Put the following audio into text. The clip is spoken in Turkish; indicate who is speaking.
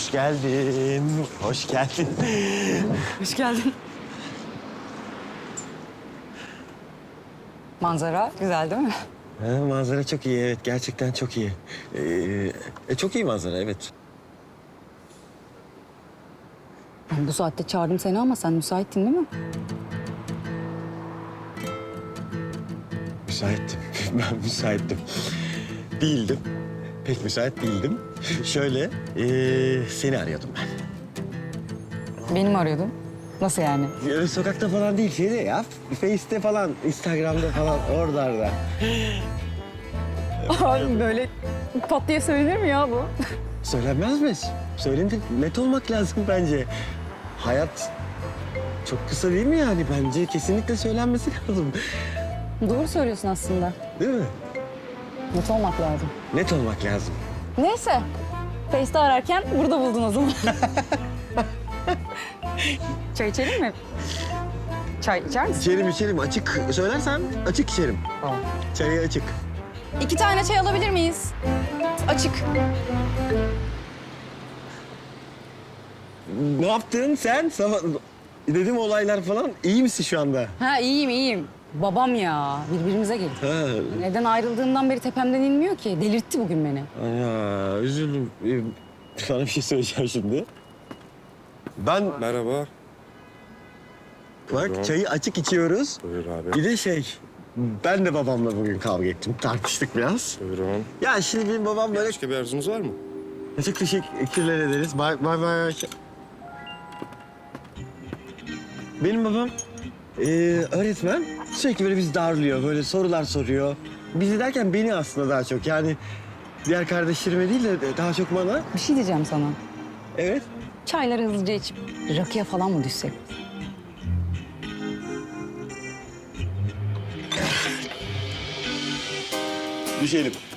Speaker 1: Hoş geldin. Hoş geldin.
Speaker 2: Hoş geldin. Manzara güzel değil mi?
Speaker 1: Ha, manzara çok iyi, evet. Gerçekten çok iyi. Çok iyi manzara, evet.
Speaker 2: Ben bu saatte çağırdım seni ama sen müsaittin değil mi?
Speaker 1: Müsaittim. Ben müsaittim. Değildim. Pek müsait değildim. Şöyle, seni arıyordum ben.
Speaker 2: Beni mi arıyordun? Nasıl yani?
Speaker 1: Öyle sokakta falan değil, şeyde ya. Face'te falan, Instagram'da falan, oralarda.
Speaker 2: Abi böyle pat diye söylenir mi ya bu?
Speaker 1: Söylenmez mi? Söylenir. Net olmak lazım bence. Hayat çok kısa değil mi yani? Bence kesinlikle söylenmesi lazım.
Speaker 2: Doğru söylüyorsun aslında.
Speaker 1: Değil mi?
Speaker 2: Net olmak lazım.
Speaker 1: Net olmak lazım.
Speaker 2: Neyse. Face'te ararken burada buldun o zaman. Çay içelim mi? Çay içer misin?
Speaker 1: İçerim. Açık söylersem açık içerim.
Speaker 2: Tamam.
Speaker 1: Çayı açık.
Speaker 2: 2 tane çay alabilir miyiz? Açık.
Speaker 1: Ne yaptın sen? Sabah dedim olaylar falan. İyi misin şu anda?
Speaker 2: Ha iyiyim. Babam ya. Birbirimize girdik.
Speaker 1: Ha.
Speaker 2: Neden ayrıldığından beri tepemden inmiyor ki. Delirtti bugün beni.
Speaker 1: Ya üzüldüm. Sana bir şey söyleyeceğim şimdi. Ben
Speaker 3: Merhaba.
Speaker 1: bak çayı açık içiyoruz.
Speaker 3: Buyur abi.
Speaker 1: Bir de ben de babamla bugün kavga ettim. Tartıştık biraz.
Speaker 3: Buyurun.
Speaker 1: Ya şimdi benim babam böyle...
Speaker 3: Başka bir arzunuz var mı?
Speaker 1: Çok teşekkürler ederiz. Bay. Benim babam öğretmen. Sürekli böyle bizi darlıyor. Böyle sorular soruyor. Bizi derken beni aslında daha çok. Yani diğer kardeşlerime değil de daha çok bana.
Speaker 2: Bir şey diyeceğim sana.
Speaker 1: Evet.
Speaker 2: Çayları hızlıca içip rakıya falan mı düşsek?
Speaker 1: Düşelim.